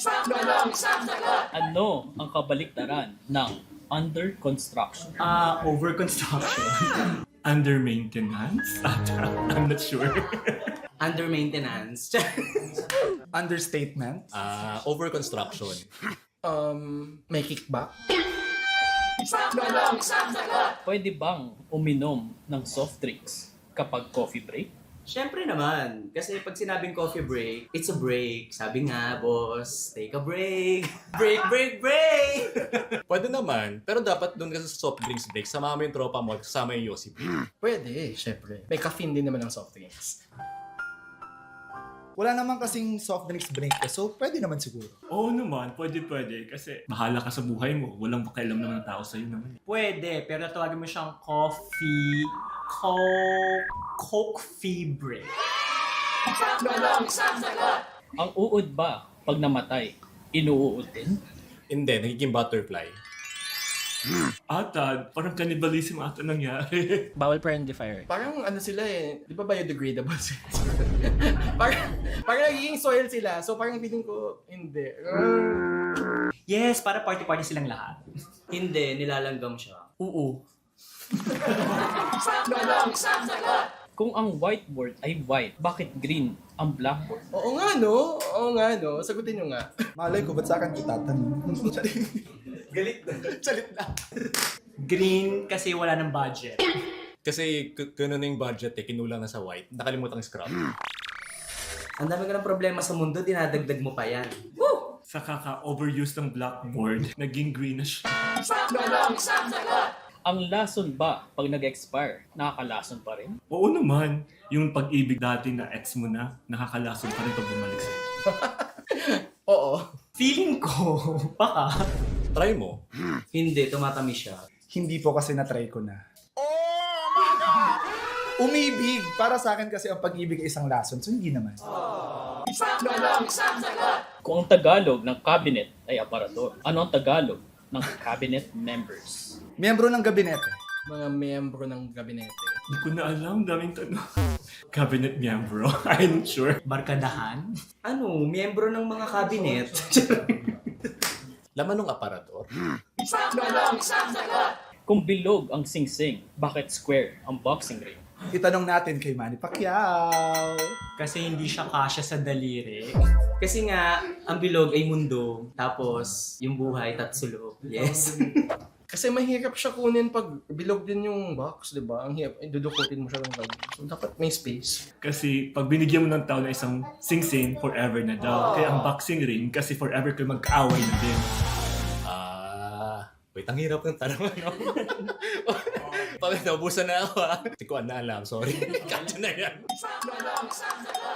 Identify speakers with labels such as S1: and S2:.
S1: Ano ang kabaliktaran ng under construction?
S2: Over construction.
S3: Under maintenance? I'm not sure.
S2: Under maintenance.
S4: Understatement.
S5: Over construction.
S4: May kickback.
S1: Pwede bang uminom ng soft drinks kapag coffee break?
S2: Siyempre naman. Kasi pag sinabing coffee break, it's a break. Sabi nga, boss, take a break. Break, break, break!
S5: Pwede naman, pero dapat doon ka sa soft drinks break, sama mo yung tropa mo, kasama yung Yossi.
S4: Pwede, syempre. May caffeine din naman ng soft drinks.
S6: Wala naman kasing soft drinks break eh, so pwede naman siguro.
S3: Oo naman, pwede. Kasi bahala ka sa buhay mo. Walang pakialam naman ng tao sa'yo naman.
S2: Pwede, pero tawagin mo siyang coffee break.
S1: Ang uod ba pag namatay, inuuod din?
S5: Hindi, nagiging butterfly.
S3: Parang cannibalism ata nangyari.
S7: Bawal friendly fire.
S4: Parang ano sila eh, di ba biodegradable sila? parang nagiging soil sila, so parang feeling ko, hindi.
S2: Yes, para party-party silang lahat. Hindi, nilalanggam siya.
S4: Oo.
S1: Kung ang whiteboard ay white, bakit green ang blackboard?
S4: Oo nga no, sagutin nyo nga.
S6: Malay ko, ba't sa akin itatanong?
S4: Galit na. Salit na.
S2: Green kasi wala ng budget.
S5: Kasi kuno na yung budget kinulang na sa white, nakalimutan scrap.
S2: Ang dami ka ng problema sa mundo, dinadagdag mo pa yan.
S3: Sa kaka-overuse ng blackboard, naging green na siya.
S1: Ang lason ba pag nag-expire, nakakalason pa rin?
S3: Oo naman, yung pag-ibig dati na ex mo na, nakakalason pa rin pag bumalik sa'yo.
S4: Oo.
S2: Feeling ko, baka.
S5: Try mo.
S2: Hindi, tumatamis siya.
S6: Hindi po kasi na-try ko na. Oh my God! Umibig! Para sa akin kasi ang pag-ibig ay isang lason, so hindi naman.
S1: Kung ang Tagalog ng cabinet ay aparador, ano ang Tagalog ng cabinet members?
S6: Miyembro ng gabinete.
S4: Mga miyembro ng gabinete.
S3: Hindi ko na alam, daming tanong. Cabinet miyembro, I'm sure.
S2: Barkadahan? Ano, miyembro ng mga cabinet.
S5: Laman ng aparador.
S1: Kung bilog ang sing-sing, bakit square ang boxing ring?
S6: Itanong natin kay Manny Pacquiao.
S2: Kasi hindi siya kasya sa daliri. Kasi nga, ang bilog ay mundo, tapos yung buhay tatsulo. Yes.
S4: Kasi mahirap siya kunin pag bilog din yung box, di ba? Ang hirap, dudukutin mo siya ng ganun. So, dapat may space.
S3: Kasi pag binigyan mo ng tao na isang sing-sing, forever na daw. Kaya ang boxing ring, kasi forever kayo mag-kaaway na din.
S5: Wait, ang hirap ng tanong. Pag naubusan na ako Hindi ko na alam, sorry. Kaya na yan.